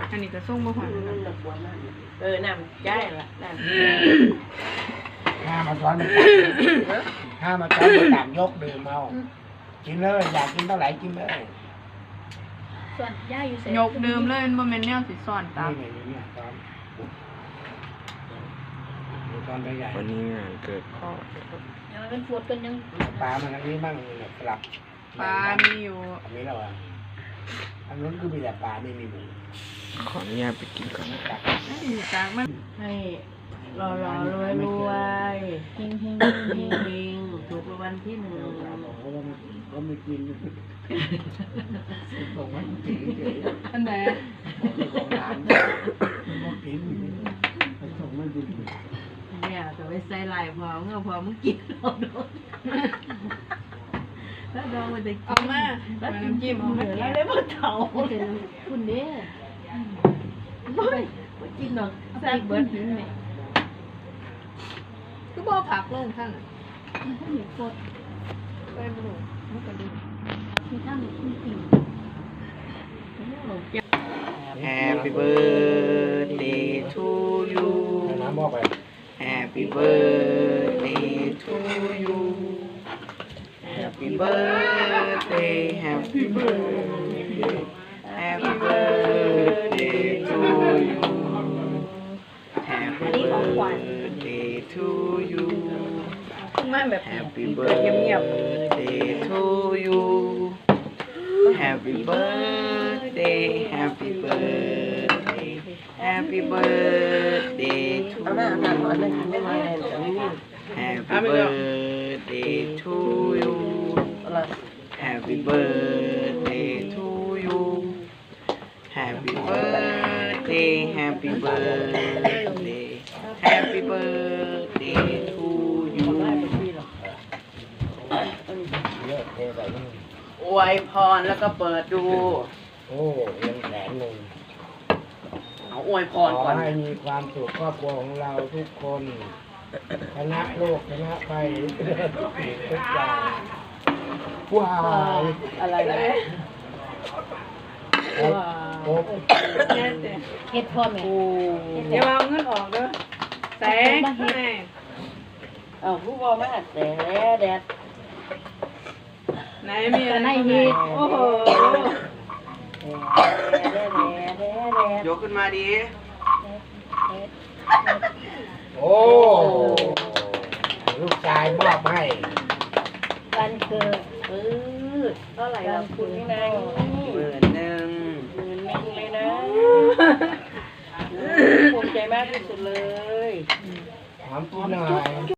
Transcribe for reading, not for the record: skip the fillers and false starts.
อันนี้ก็ส่งบ่หวานนะน้ำย้ายละน้ำห้ามาซ้อนห้ามาซ้อนมาตามยกดื่มเอากินเลยอยากกินเท่าไหร่กินเลยส่วนย่าอยู่เสร็จยกเดิมเลยมันบ่แม่นแนวสิซ่อนตามนี่เนี่ยซ้อนมีซ้อนตัวใหญ่วันนี้งานเกิดพ่อยังเป็นฟูดกันยังปลามันอันนี้บ้างเนี่ยสลับปลามีอยู่อันนี้เราอันนู้นคือมีแต่ปลาไม่มีหมูขออนุญาตไปกินก่อนนะครับอยู่กลางมันให้รอรวยรวยเฮงเฮงเฮงเฮงถูกรางวัลที่1 ก็ไม่กินส่งมากินเฉยอันไหนของร้านก็กินส่งมากินเนี่ยจะไปใส่ลายพอเมื่อพอมึงกินเราโดนแล้วดองมันจะกินเอามาน้ำจิ้มเอามาแล้วแกะได้หมดเถาคุณเด้ไม่กินหรอกแซ่บเบิร์ดหินไหมคือบ่ผักลงท่านหินฟูดไปบ่รู้มันก็ดีมีท่านมีปิ่ง Happy birthday to you น้ำบอกไป Happy birthday to you Happy birthday Happy birthday Happy birthday to you Happy birthday to you มาแบบ Happy เงียบ birthday to you Happy birthday Happy birthday Happy birthday to เอาหน้าหนักหน่อยเลยไม่ไหวเลย Happy birthday to you อะไร Happy birthday to you Happy birthday Happy birthday Happy birthday to you เยอะเทใส่นี่อวยพรแล้วก็เปิดดูโอ้ยังแขนหนึ่งเอาอวยพขอรก่อนให้มีความสุขครอบครัวของเราทุกคนชนะโลกชนะไปทุกสิ่งทุกอย่างว้าวอะไรนะโอ้เฮ็ดพ่อแม่อย่าเอาเงินออกเด้อแสงแม่เอาผู้บอมาแต่แดดไหนมีอะไรโอ้โหยกขึ้นมาดีโอ้ลูกชายมอบให้วันเกิดเท่าไหร่เราคุณนี่นาย 11,000 เลยนะภูมิใจมากที่สุดเลยถามตัวหน่อย